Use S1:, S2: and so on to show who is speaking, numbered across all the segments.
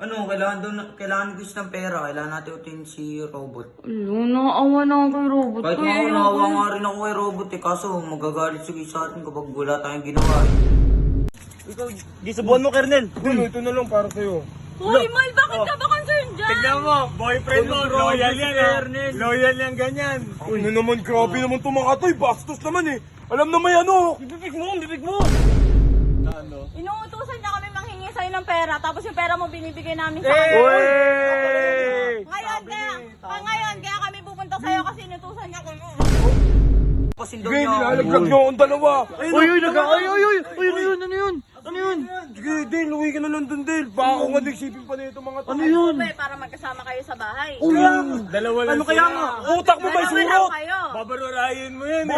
S1: Ano, kailangan gusto ng pera. Kailangan natin utin si Robot.
S2: Naawa na ako kay Robot.
S1: Kahit nga ako, naawa nga rin ako kay Robot eh. Kaso, magagalit sige sa atin kapag wala tayong ginawa eh.
S3: Ikaw, di subuhan mo, Kernel.
S4: Uy, ito na lang para sa'yo.
S2: Hoy, Mal, bakit ka ba concerned dyan?
S3: Tignan mo, boyfriend mo, loyal yan ah. Loyal yan ganyan.
S4: Uy, ano naman, grabe naman itong mga to. Bastos naman eh. Alam na may ano.
S3: Bibig mo.
S2: Inuutusan niya kami manghingi sa'yo ng pera, tapos yung pera mo binibigay namin sa kanya.
S3: Uy!
S2: Ngayon, kaya kami pupunta sa'yo kasi inutusan niya kami.
S1: Pasin daw
S4: Sige,
S1: niya.
S4: nilalaglag niyo akong dalawa.
S3: Uy, ano yun?
S4: Sige, Dale, uwi ka na lang dun, Dale. Baka ako nga nagsipin pa na itong mga to.
S3: Ano yun?
S2: Para magkasama kayo sa bahay.
S3: Dalawa lang
S4: Ano kaya nga? Utak mo ba
S2: Dalawa
S4: surot?
S2: lang kayo.
S3: Babarurahin mo yan.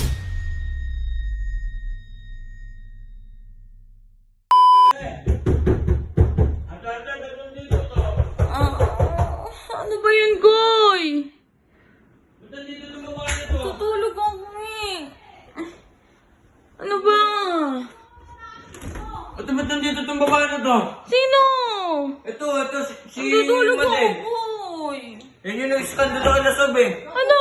S2: Ano ba yun, Goy? Tutulog ako eh. Ano ba?
S1: At ba't nandito itong babae na to?
S2: Sino?
S1: Ito, si
S2: Tutulog ako,
S1: Made.
S2: Goy.
S1: Yan yung nag-skandalo kay Lasab eh.
S2: Ano?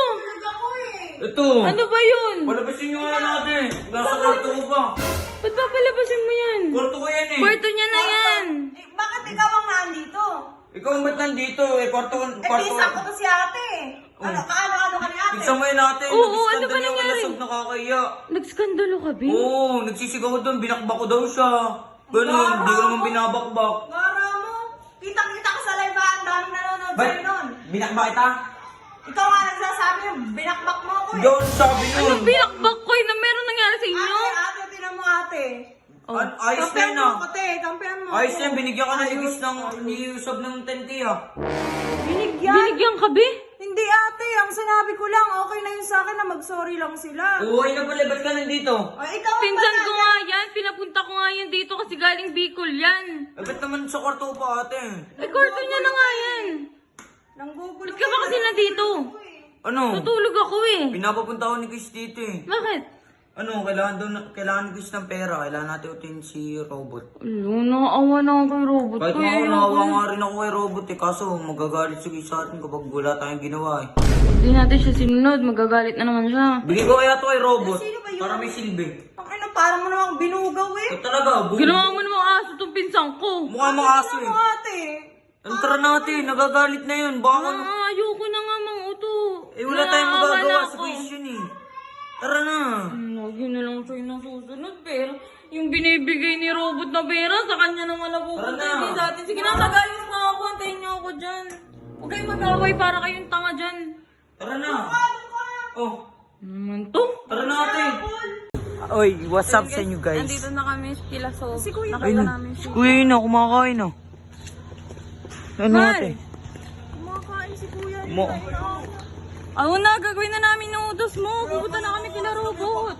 S1: Ito.
S2: Ano ba yun?
S1: Palabasin nyo nga natin. Nasa kwarto ko pa.
S2: Ba't ba palabasin mo yan?
S1: Kwarto ko yan eh.
S2: Kwarto niya na yan.
S5: Bakit ikaw ang nandito?
S1: Ikaw ba't nandito eh? Kwarto ko.
S5: Pinsan ko to si ate. Ano ka ni ate?
S1: Pinsan mo yun natin.
S2: Oo, ano ba
S1: Nag-skandalo kay
S2: nangyari?
S1: Lasab, nakakaya.
S2: Nagskandalo ka, Bin?
S1: Oo, nagsisigaw doon. Binakbak ko daw siya. Ganun, hindi ko naman binabakbak.
S5: Mara mo, kitang-kita ko sa live ang daming nanonood
S1: Ba't?
S5: sa'yo nun.
S1: Binakbak kita?
S5: Ikaw nga nagsasabi yung binakbak mo ako
S1: Hindi ako sabi nun.
S2: Anong binakbak ko na meron nangyari sa inyo?
S5: Ate, tinan mo ate.
S1: Ayos na yun
S5: Kampihan
S1: ah.
S5: mo ko, te. Kampihan mo.
S1: Ayos na yun, binigyan ka na ni Usab ng 10K ah.
S5: Binigyan?
S2: Binigyan ka, Bin?
S5: Hindi ate, ang sinabi ko lang, okay na yun sa akin na mag-sorry lang sila.
S1: Uy na pala, ba't ka nandito?
S5: Ay, ikaw ang
S2: Pinsan ko
S5: pala.
S2: nga yan. Pinapunta ko nga yan dito kasi galing Bicol yan.
S1: Eh, ba't naman sa kwarto ko pa ate?
S2: Eh, kwarto niya na nga yan.
S5: Nanggugulo
S2: Ba't ka ba kasi nandito?
S1: Ano?
S2: Tutulog ako eh.
S1: Pinapapunta ako ni Chris dito eh.
S2: Bakit?
S1: Ano, kailangan Chris ng pera. Kailangan natin utin si Robot.
S2: Naawa na ako kay Robot.
S1: Kahit nga ako, naawa nga rin ako kay Robot eh. Kaso, magagalit sige sa atin kapag wala tayong ginawa eh.
S2: Pag di natin siya sinunod, magagalit na naman siya.
S1: Bigay ko kaya to kay Robot.
S5: Sino ba yun?
S1: Para may silbi.
S5: Pakina, parang mo namang binugaw eh.
S1: Ito talaga,
S2: Ginawa mo namang aso tong pinsan ko.
S1: Mukha mga aso
S5: Tinan
S1: eh.
S5: mo ate.
S1: Ang tara natin, nagagalit na yun. Baka ano.
S2: Ayoko na nga mang uto.
S1: Eh, wala tayong
S2: Naawa
S1: magagawa
S2: na
S1: sa
S2: ako.
S1: question eh. Tara na.
S2: Lagi na lang sa'yo ng susunod, pero yung binibigay ni Robot na pera, sa kanya naman napupunta
S1: Tara na.
S2: hindi sa atin. Sige na, nag-ayos na ako. Antayin niyo ako dyan. Huwag kayong mag-away para kayong tanga dyan.
S1: Tara na. Oh,
S2: Naman to?
S1: tara na ate. Oy, what's up sa inyo guys?
S2: Nandito na kami kila So. Si Kuya. Nakita namin si
S1: Kuya na, kumakain na. Ano
S2: Mal.
S1: ate?
S5: Kumakain si kuya.
S2: Ano na, gagawin na namin ng utos mo. Pupunta na kami kila Robot.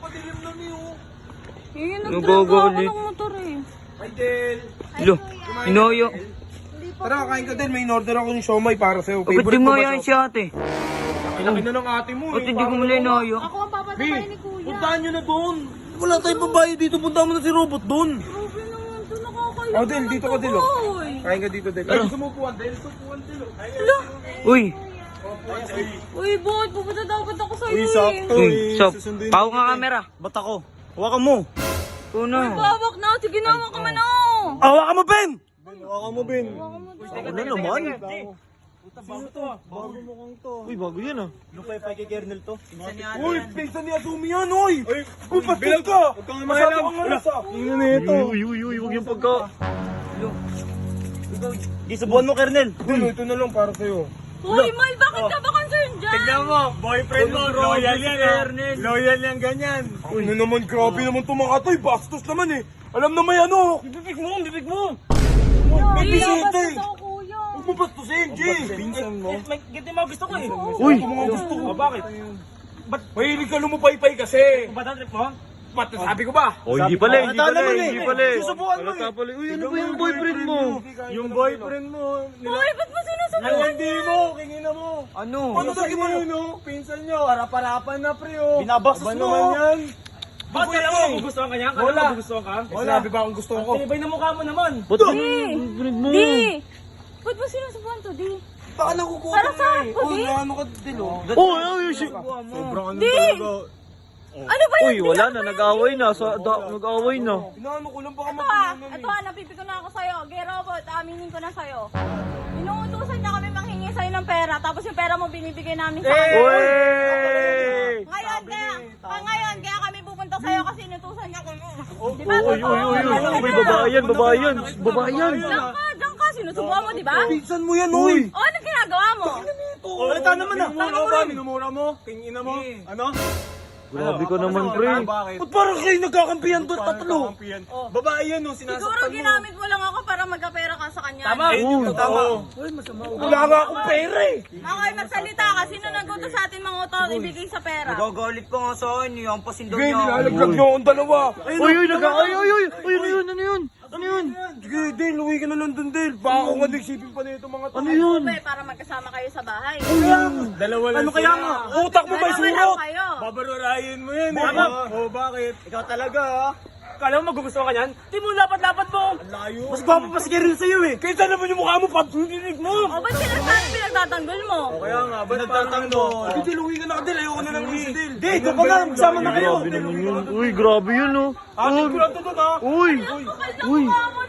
S2: Yun, nagdrag ako ng motor eh.
S4: Hi, Dale.
S1: Lo, inoyo.
S4: Tara, kain ka din. May in-order ako ng siomay para sa'yo.
S1: Ba't di mo yan si ate?
S4: Laki na ng ate mo
S1: Ba't hindi ko mula inoyo?
S2: Ako ang papatapay ni Kuya.
S4: Puntahan nyo na doon. Wala tayong babae dito. Puntahan mo na si Robot doon.
S2: Grabe naman to, nakakayo.
S4: Oh, Del, dito ka, Del, oh.
S2: Oy.
S4: Kain ka dito, Del. Ay, gusto mo upuan, Del? Upuan, Del.
S1: Uy,
S2: Uy, bot, pupunta dapat ako sa'yo
S4: Uy, sakto
S1: uy,
S4: eh.
S1: Sob,
S4: Susunduin
S1: paw
S4: kita,
S1: nga
S4: eh.
S1: camera.
S3: Ba't ako? Hawakan mo.
S1: Ito na.
S2: Bawak na, sige na, ka man ako.
S3: Hawakan mo, Ben!
S4: Hawakan mo, Ben.
S3: Ako na naman.
S4: Bago to, ah. Bago mukhang to.
S3: Uy, bago yan ah. Lupay pa kay Kernel to.
S4: Uy, pinsan ni Azumi yan, oy! Uy, bastos ka! Masyado kang malas, ah.
S3: Tingnan na ito. Uy, huwag yung pagka... Di subuhan mo, Kernel.
S4: Uy, ito na lang para sa'yo.
S2: Uy, Mal, bakit ka ba concerned dyan?
S3: Tignan mo, boyfriend mo, loyal yan ah. Loyal yan ganyan.
S4: Uy, ano naman, grabe naman itong mga to, eh. Bastos naman eh. Alam na may ano.
S3: Bibig mo.
S4: May
S2: Uy,
S4: bisita
S2: labas
S4: eh.
S2: na ako, Kuya.
S4: Huwag mo bastusin, G.
S3: Pinsan mo. Ganito yung mga gusto ko eh.
S4: Uy, ito mga gusto ko.
S3: Bakit?
S4: Mahilig ka lumupay-pay kasi.
S3: Ba't ang trip mo?
S4: Ba't sabi ko ba?
S3: Oh, hindi pala, hindi pala.
S4: Susubukan mo eh.
S3: Uy, ano ba yung boyfriend mo? Yung boyfriend mo.
S2: Uy, ba't mo sinusubukan?
S3: Nalandi mo, kingina mo.
S1: Ano?
S4: Ano sa mo?
S3: no? Pinsan nyo, harap-harapan na pre oh.
S4: Binabastos
S3: Aba
S4: mo.
S3: naman yan.
S6: Bakit kala mo magugustuhan ka niya? Kala mo magugustuhan ka?
S4: Sinabi ba akong gusto ko?
S6: Tinibay na mukha mo naman.
S3: Ba't
S2: Di! to, di.
S4: Baka nakukuha
S2: Para
S4: ka
S2: sa
S4: eh.
S2: ako, di.
S4: Ano ka dilo?
S3: Sobrang ano
S2: Di!
S3: talaga.
S2: Ano ba
S7: Uy, wala na, nag-away na. Nag-away na.
S4: Inaano ko lang baka
S2: Ito napipiko na ako sa'yo. Gay robot, aminin ko na sa'yo. Inuutusan niya kami manghingi sa'yo ng pera, tapos yung pera mo binibigay namin sa akin.
S7: Uy!
S2: Ngayon, kaya kami pupunta sa'yo kasi inutusan niya kami. Di ba?
S7: Uy, babae yan.
S2: Diyan ka, sinusubukan mo, di ba?
S4: Pinsan mo yan, oy!
S2: O, anong ginagawa mo?
S3: Halata naman ah. Minumura mo. Kingina mo. Ano?
S7: Grabe ka naman, pre.
S3: Bakit?
S4: Ba't parang kayo nagkakampihan doon tatlo?
S3: Kakampihan. Babae yan no,
S2: Siguro
S3: sinasaktan mo.
S2: ginamit mo lang ako para magkapera ka sa kanya.
S3: Tama. Tama.
S4: Wala nga akong pera eh!
S2: Okay, magsalita ka. Sino nag-utos sa atin mga utang ibigay sa pera?
S1: Nagagalit pa nga sa akin eh. Ang pasin daw
S4: Sige,
S1: niya.
S4: nilalaglag niyo akong dalawa!
S7: Uy, ano yun? Ano yun?
S4: Sige, Dale, uwi ka na lang dun, Dale. Baka ako nga nagsipin pa nito mga
S7: Ano yun?
S2: Ube, para magkasama kayo sa bahay.
S3: Dalawa lang
S4: Ano kaya nga? Utak mo ba
S2: Dalawa lang
S4: surot?
S2: kayo.
S3: Babarurahin mo yan eh.
S4: Tama.
S3: Oh, bakit? Ikaw talaga ah.
S6: Kala mo magugustuhan ka niyan? Di mo lapat-lapat mo!
S3: Layo.
S4: Mas gwapo pa si Kirill sa'yo eh! Kaysa naman yung mukha mo, pagpinig mo!
S2: O, ba't sinasabi pinagtatanggol mo?
S3: Kaya nga, ba't nagtatanggol?
S4: Sige, Dale, uwi ka na ka, Dale. Ayoko na lang uwi si Dale. Dale, ikaw pa nga, magsama na kayo!
S7: Grabe naman yun. Uy, grabe yun, oh.
S4: Akin ko lang ito doon, ha?
S7: Uy! Uy!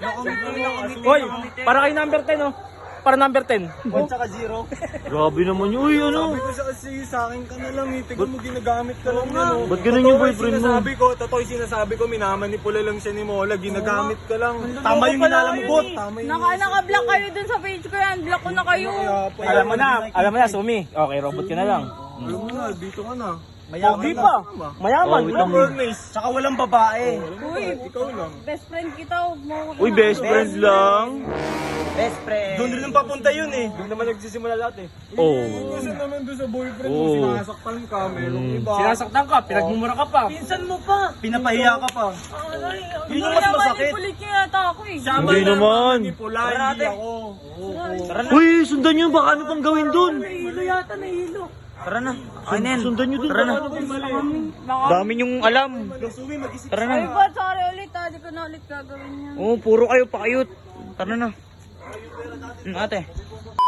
S6: Hoy, para kay number 10 oh. Para number 10.
S7: Grabe naman yun. Uy, ano?
S3: Sabi ko sa akin ka na lang eh. Tignan mo, ginagamit ka lang yan oh.
S7: Ba't ganun yung boyfriend mo?
S3: Totoo yung sinasabi ko, minamanipula lang siya ni Mola. Ginagamit ka lang. Tama yung inalam mo, bot. Tama yung
S2: Naka-block kayo dun sa page ko yan. Block ko na kayo.
S6: Alam mo na, Sumi. Okay, robot ka na lang.
S3: Alam mo na, dito ka na.
S6: Pogi pa. Mayaman.
S7: Oh, wait lang.
S4: Tsaka walang babae.
S2: Uy,
S3: Ikaw lang.
S2: best friend kita. Huwag mo.
S7: Uy, best friend lang.
S4: Doon rin papunta yun eh.
S6: Doon naman nagsisimula lahat eh.
S7: Oh.
S3: Kasi naman doon sa boyfriend mo,
S7: Oo.
S3: sinasaktan ka, merong iba.
S6: Sinasaktan ka, pinagmumura ka pa.
S2: Pinsan mo pa.
S4: Pinapahiya ka pa.
S2: Yun yung mas masakit. Manipulit niya yata ako eh.
S7: Hindi naman.
S3: Manipula, hindi ako.
S7: Uy, sundan nyo. Baka ano pang gawin dun?
S1: Tara na. Ay na yan.
S7: Sundan nyo dun.
S1: Tara na. Dami nyong alam. Tara na.
S2: Ay, God, sorry ulit ha. Di ko na ulit gagawin yan.
S1: Oo, puro kayo pakayot. Tara na. Ate.